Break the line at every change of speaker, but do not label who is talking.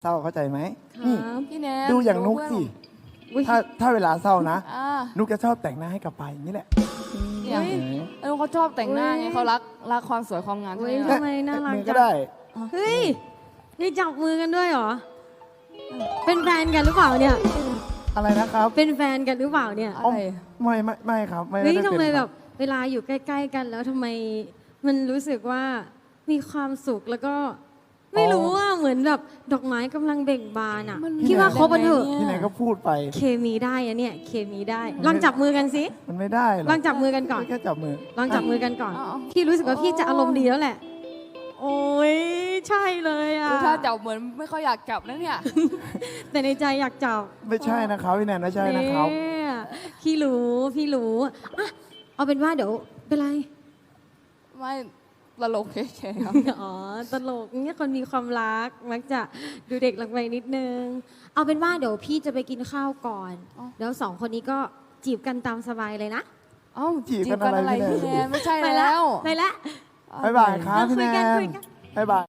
เศร้าเข้าใจไหม
ค
นี่
รับ
พี่แนน
ดูอย่างนุกสิ
อุ๊ย
ถ้าเวลาเศร้านะ
อ่า
นุกจะชอบแต่งหน้าให้กับไปอย่างนี้แหละ
เนี่ยเขาชอบแต่งหน้าไงเขารักความสวยความงาม
อุ๊
ใช่
ย
ไหม
ทำไมน่ารัก
มือ
จั
ก็
ง
ได้
เฮ้ยนี่จับมือกันด้วยเหรอ เป็นแฟนกันหรือเปล่าเนี่ย
อะไรนะครับ
เป็นแฟนกันหรือเปล่าเนี่ย
อะไร
ไม่ครับไม่
เฮ้ย
ได้
ทำ
เป็น
ไม
ค
แบ
รับบ
เวลาอยู่ใกล้ๆกันแล้วทำไมมันรู้สึกว่ามีความสุขแล้วก็ไม่รู้ว่าเหมือนแบบดอกไม้กำลังเบ่งบานอ่ะ
มัน
พี่ว่าคบกันเถอะ
ที่ไหนก็พูดไป
เคมีได้อะเนี่ยเคมีได้ลองจับมือกันสิ
มันไม่ได้หรอก
ลองจับมือกันก่อน
แค่จับมือ
ลองจับมือกันก่อน
เอา
พี่รู้สึกว่าพี่จะอารมณ์ดีแล้วแหละ โอ้ยใช่เลยอ่ะ
ดูถ้าจับเหมือนไม่ค่อยอยากจับนะเนี่ย
แต่ในใจอยากจับ
ไม่ใช่นะครับพี่แนนไม่ใช่นะครับ
เนี่ยพี่รู้อ่ะเอาเป็นว่าเดี๋ยวเป็นไร
ไม่ตลกเฉยๆครับ
อ๋อตลกเนี่ยคนมีความรักมักจะดูเด็กลงไปนิดนึง เอาเป็นว่าเดี๋ยวพี่จะไปกินข้าวก่อน
อ๋อ
แล้วสองคนนี้ก็จีบกันตามสบายเลยนะ
เอ้า
จีบกันอะไร
พี่แนนไม่ใช่
พี่แนน
แล้ว
ไปละ
บ๊ายบายครับพี่แน
คุยกัน
น
คุยกัน
บ๊ายบาย